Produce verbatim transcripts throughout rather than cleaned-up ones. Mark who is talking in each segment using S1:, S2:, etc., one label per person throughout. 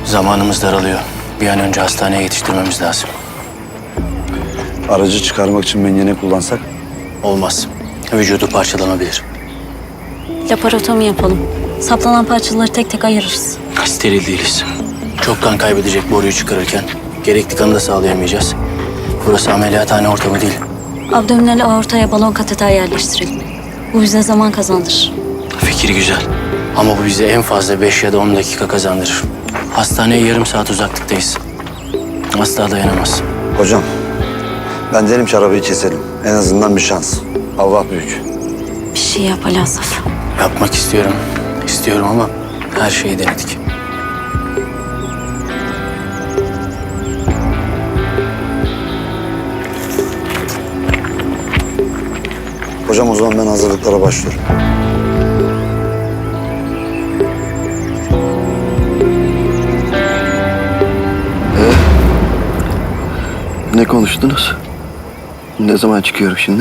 S1: Zamanımız daralıyor. Bir an önce hastaneye yetiştirmemiz lazım.
S2: Aracı çıkarmak için mengene kullansak?
S1: Olmaz. Vücudu parçalanabilir.
S3: Laparotomi yapalım. Saplanan parçaları tek tek ayırırız.
S1: Steril değiliz. Çok kan kaybedecek boruyu çıkarırken gerekli kanı da sağlayamayacağız. Burası ameliyathane ortamı değil.
S3: Abdominal aortaya balon kateter yerleştirelim. Bu bize zaman kazandırır.
S1: Fikir güzel. Ama bu bize en fazla beş ya da on dakika kazandırır. Hastaneye yarım saat uzaklıktayız. Asla dayanamaz.
S2: Hocam, ben derim ki arabayı keselim. En azından bir şans. Allah büyük.
S3: Bir şey yap Ali Asaf.
S1: Yapmak istiyorum. İstiyorum ama her şeyi denedik.
S2: Hocam o zaman ben hazırlıklara başlıyorum.
S4: Ne konuştunuz? Ne zaman çıkıyorum şimdi?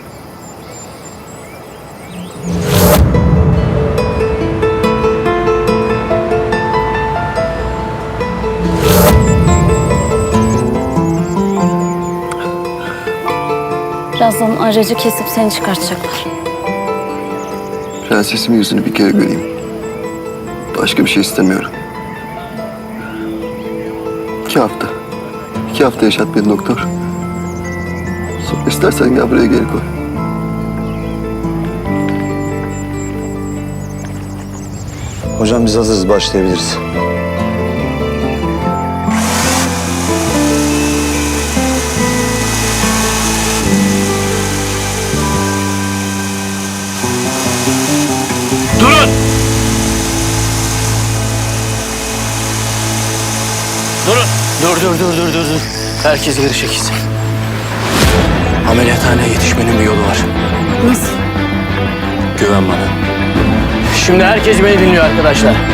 S3: Birazdan aracı kesip seni çıkartacaklar.
S4: Prensesimin yüzünü bir kere göreyim. Başka bir şey istemiyorum. İki hafta. İki hafta yaşat beni doktor. Sonra istersen gel buraya geri koy.
S2: Hocam biz hazırız, başlayabiliriz.
S1: Durun! Durun! Dur, dur, dur, dur, dur, dur. Herkes geri çekilsin. Ameliyathaneye yetişmenin bir yolu var.
S3: Nasıl?
S1: Güven bana. Şimdi herkes beni dinliyor arkadaşlar.